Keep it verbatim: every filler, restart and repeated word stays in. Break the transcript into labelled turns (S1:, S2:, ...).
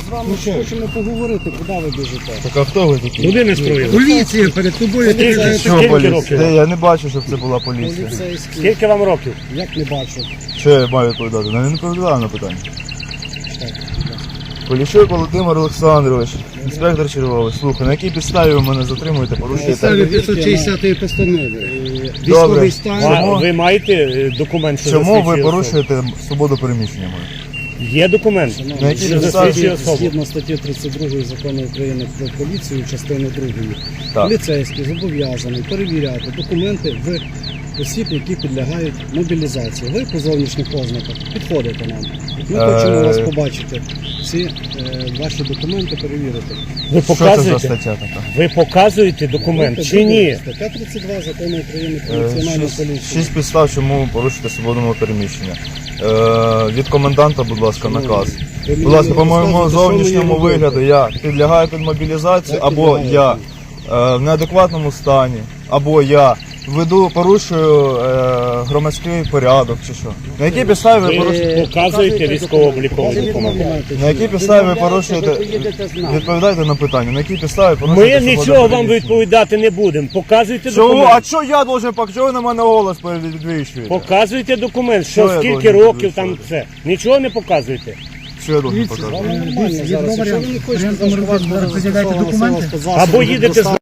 S1: вами хочемо поговорити, куди ви біжите.
S2: Так а хто ви такі?
S3: Куди не строїли?
S1: Поліція перед тобою.
S3: Скільки,
S2: Що
S3: скільки
S2: поліція?
S3: років?
S2: Де? Я не бачу, щоб це була поліція.
S1: Поліцейські.
S3: Скільки вам років?
S1: Як не бачу.
S2: Що я маю відповідати? Ну, я не відповідаю на питання.
S1: Так, будь ласка.
S2: Поліщук Володимир Олександрович, інспектор черговий. Слухай, на якій підставі ви мене затримуєте, порушуєте?
S1: Підставі п'ятсот шістдесятої постанови.
S2: Добре.
S1: Військовий стан.
S3: А ви маєте е, документ, що
S2: Чому ви
S3: засвідчує особу?
S2: порушуєте свободу переміщення мою?
S3: Є документ,
S2: На якій
S3: що
S2: підставі?
S3: засвідчує особу.
S1: Згідно статті тридцять другої Закону України про поліцію, частини другої,
S2: Так.
S1: поліцейський зобов'язаний перевіряти документи в осіб, які підлягають мобілізації. Ви по зовнішніх ознаках підходите нам. Ми
S2: Е.
S1: хочемо вас побачити, всі е, ваші документи перевірити.
S3: Ви
S2: Що це за
S3: показуєте?
S2: стаття така?
S3: Ви показуєте документ чи ні?
S1: Стаття тридцять два Закону України про
S2: Е,
S1: національну
S2: Шість,
S1: поліцію.
S2: шість підстав, чому ви порушуєте свободу мого переміщення. Е, від коменданта, будь ласка, наказ.
S1: Ви мені
S2: Будь ласка, по
S1: не
S2: моєму
S1: розказуєте, що
S2: зовнішньому
S1: мені робити.
S2: вигляду я підлягаю під мобілізацію,
S1: Як
S2: або
S1: підлягаєте?
S2: я е, в неадекватному стані, або я веду, порушую е, громадський порядок чи що. На якій підставі ви порушуєте?
S3: Ви показуєте військово-обліковий документ.
S2: На якій підставі ви порушуєте?
S1: поїдете з нами.
S2: Відповідайте на питання, на якій підставі порушуєте
S3: Ми
S2: свободу
S3: нічого вам
S2: переміщення?
S3: відповідати не будемо. Показуйте
S2: Чого? А
S3: документ.
S2: що я должен показати? Чого ви на мене голос підвищуєте?
S3: Показуйте документ,
S2: Що
S3: що
S2: я
S3: скільки
S2: должен
S3: років там
S2: підвищувати?
S3: це. Нічого не показуєте.
S2: Що я должен показати?
S1: Нормально зараз. Якщо ви не хочете,
S4: варіант,
S1: значить, у вас
S4: може,
S1: буде
S4: пред'являйте
S1: застосована
S4: документи?
S1: сила спецзасобів
S3: Або їдете з
S1: доставки.